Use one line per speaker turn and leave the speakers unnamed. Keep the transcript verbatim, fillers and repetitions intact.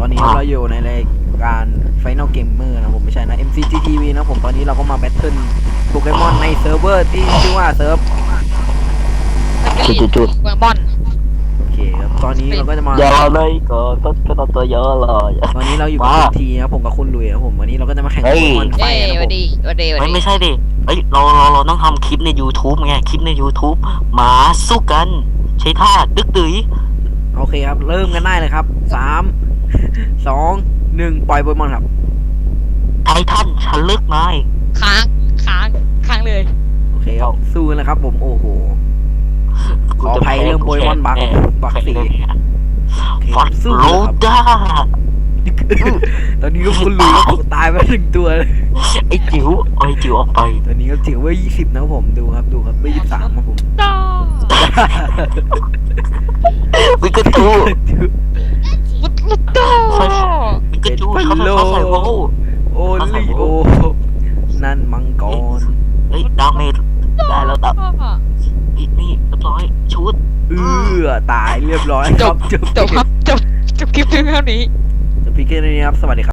อนนี้เราอยู่ในรายการ Final Gamer นะผมไม่ใช่นะ เอ็ม ซี จี ที วี นะผมตอนนี้เราก็มาแบทเทิลโปเกมอนในเซิร์ฟเวอร์ที่ชื่อว่าเซิร์ฟ
จุดๆ
เมืองบอน
โอเคครับตอนนี้เราก็จะมา
ๆอย่าเลยก็ต้นก็ต้นตัวเยอะเลย
ตอนนี้เราอยู่กับคุณทีนะผมกับคุณลุยนะผมวันนี้เราก็จะมาแข่งโป
เฮ้ย
เกมอนไฟ
เอ้ย
นะผ
วัน
ม
ดีวันดีวัน
เฮ้ย
ดี
ไม่ใช่ดิเอ้ยเราเราเราต้องทำคลิปใน YouTube ไงคลิปใน YouTube หมาสู้กันใช้ท่าดึกดื๋ย
โอเคครับเริ่มกันได้เลยครับสามสองหนึ่งปล่อยโปเกมอนครับ
ไททันฉันเลิกนาย
ค้างค้างค้างเลย
โอเคครับสู้กันนะครับผมโอ้โห ขออภัยเรื่องโปเกมอนบัคบัคสี่
ฟัด
สู้
โร
ครับ
ด้า
ตอนนี้ก็คุณลุยก็ตายไปหนึ่งตัวเลย
ไอ้จิ๋วไอ้จิ๋วออกไป
ตอนนี้ก็จิ๋วเว่ายี่สิบนะครับผมดูครับดูครับเว่ายี่สิบสามครับผม
ต่อ
วิกตู
มุดมุดต่อ
วิกตูเขาใส่เขาใส่โว้
โอลิโอนั่นมังกร
เฮ้ยดาเมจได้แล้วดับนี่นี่เรียบร้อยชุด
เอื้อตายเรียบร้อย
จ
ครับ บจบ
จบครับจบจบคลิปเพียงเท่านี้
จบพีเกมนี้ครับสวัสดีครับ